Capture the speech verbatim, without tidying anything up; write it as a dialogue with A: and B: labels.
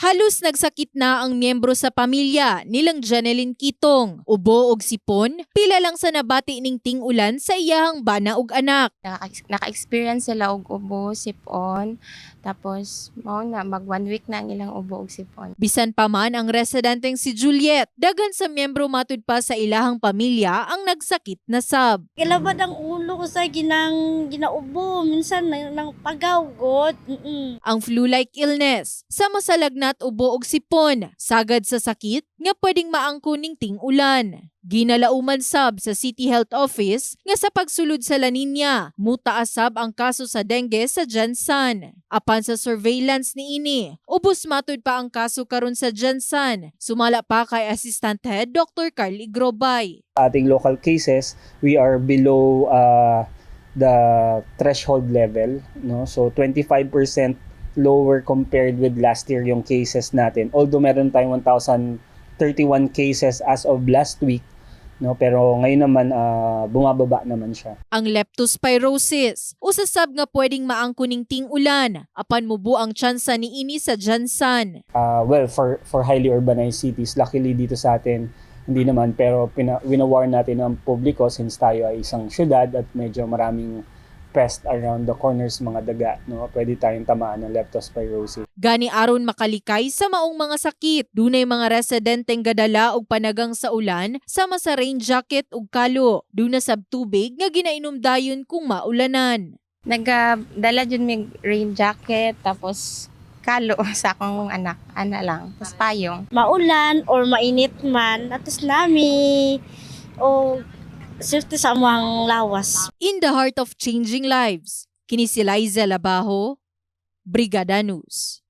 A: Halos nagsakit na ang miyembro sa pamilya nilang Janeline Kitong. Ubo og sipon, pila lang sa nabati ning ting-ulan sa iyahang bana ug anak.
B: Naka- Naka-experience sila og ubo, sipon, tapos mao na mag one week na ang ilang ubo ug sipon.
A: Bisan pa man ang residenteng si Juliet, dagan sa miyembro matud pa sa ilahang pamilya ang nagsakit na sab.
C: Kilabad ang ulo ko sa ginang ginaubo, minsan nang, nang pagawgot. Mm-mm.
A: Ang flu-like illness, sama sa lagnat, ubo ug sipon, sagad sa sakit nga pwedeng maangko ning ting-ulan. Ginalauman sab sa City Health Office nga sa pagsulod sa La Nina, mutaas sab ang kaso sa dengue sa Jansan. Apan sa surveillance niini, ubos matud pa ang kaso karon sa Jansan. Sumala pa kay Assistant Head Doctor Carl Igrobay.
D: Ating local cases, we are below uh, the threshold level, no? So twenty-five percent lower compared with last year yung cases natin. Although meron tayong one thousand thirty-one cases as of last week, no, pero ngayon naman uh, bumababa naman siya.
A: Ang leptospirosis, usasab nga pwedeng maangko ning ting-ulan apan mubo ang tsansa niini sa Jansan.
D: Uh, well, for for highly urbanized cities, luckily dito sa atin hindi naman, pero pina, winawarn natin ang publiko since tayo ay isang syudad at medyo maraming pest around the corners, mga daga, no? Pwede tayong tamaan ng leptospirosis.
A: Gani aron makalikay sa maong mga sakit, dunay mga residenteng gadala og panagang sa ulan sama sa rain jacket ug kalo. Duna sab tubig nga ginainom dayon kung maulanan.
B: Nagdala jud mig rain jacket tapos kalo sa akong anak, ana lang, tapos payong.
C: Maulan or mainit man, atos nami o safety sa among lawas.
A: In the heart of changing lives, kini si Liza Labajo, Brigada News.